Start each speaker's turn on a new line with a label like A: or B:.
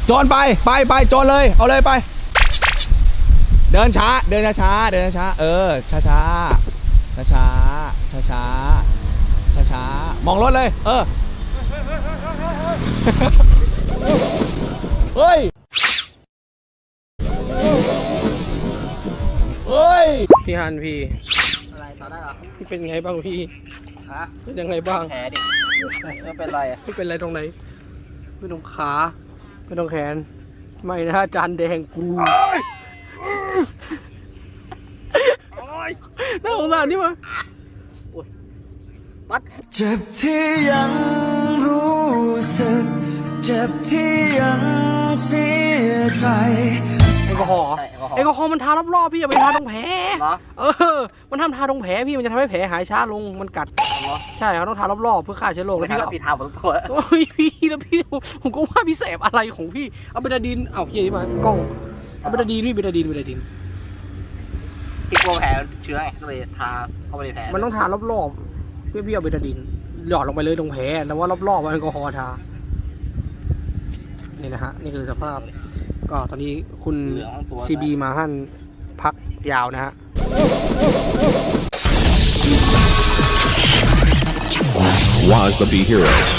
A: โจรไปโจรเลยเอาเลยไปเดินช้าช้าๆมองรถเลยเฮ้ย
B: พี่ฮันพี่
C: อะไรต่อได้เหรอ
B: พี่เป็นไงบ้างพี่
C: ฮะ
B: เป็นยังไงบ้าง
C: แผลดิไม่เป็นไรอ่ะ
B: ไม่เป็นไรตรงไหนไม่ตรงขาไม่ตรงแขนไม่นะจานแดงกูน่าสงสารนี่มั้ย
C: มัด
A: เจ็บที่ยังรู้สึกเจ็บที่ยังเสียใจ
B: แอลกอฮอล์แอลกอฮอล์มันทารอบๆพี่อย่าไปทาตรงแผล
C: เหรอ
B: มันทำทาตรงแผลพี่มันจะทำให้แผลหายช้าลงมันกัด
C: เหรอ
B: ใช่เขาต้องทารอบๆเพื่อฆ่าเชื้อโรค
C: แล้
B: แล้ว วพี่ก็
C: พี่ทาหมดตัว
B: โอ้ยพี่แล้วพี่ผมก็ว่าพี่แสบอะไรของพี่เอาเบตาดีนเอาพี่มากล้องเอาเบตาดีนพี่เบตาดีน
C: พี่กลัวแผลเชื้อไงก็เลยทาเข้าไปในแผล
B: มันต้องทารอบๆพี่เอาเบตาดีนหยอดลงไปเลยตรงแผลแล้วว่ารอบๆแอลกอฮอล์ทานี่นะฮะนี่คือสภาพก็ตอนนี้คุณ
C: เหลืองทั้งตัว
B: ซีบีมาหั่นพักยาวนะฮะ
D: Was the Be Hero.